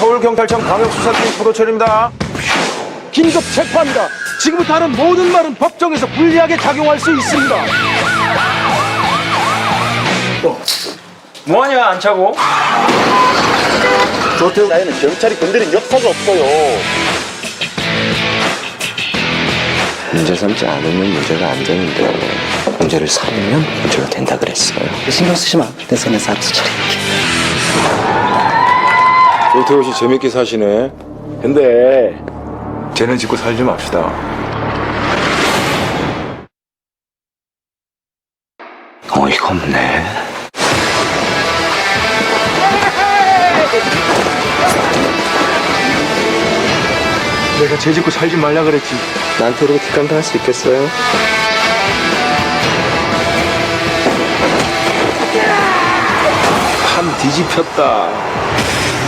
서울경찰청 광역수사팀 포도철입니다. 긴급 체포합니다. 지금부터 하는 모든 말은 법정에서 불리하게 작용할 수 있습니다. 뭐하냐 안 차고? 조태우 나이는 경찰이 건드린 역사가 없어요. 문제 삼지 않으면 문제가 안 되는데 문제를 삼으면 문제가 된다 그랬어요. 신경 쓰지 마. 내 손에서 알아서 처리할게. 조태호 씨 재밌게 사시네. 근데 쟤는 짓고 살지 맙시다. 어이가 없네. 내가 쟤 짓고 살지 말라 그랬지. 나한테 이렇게 뒷감당할 수 있겠어요? 판 뒤집혔다.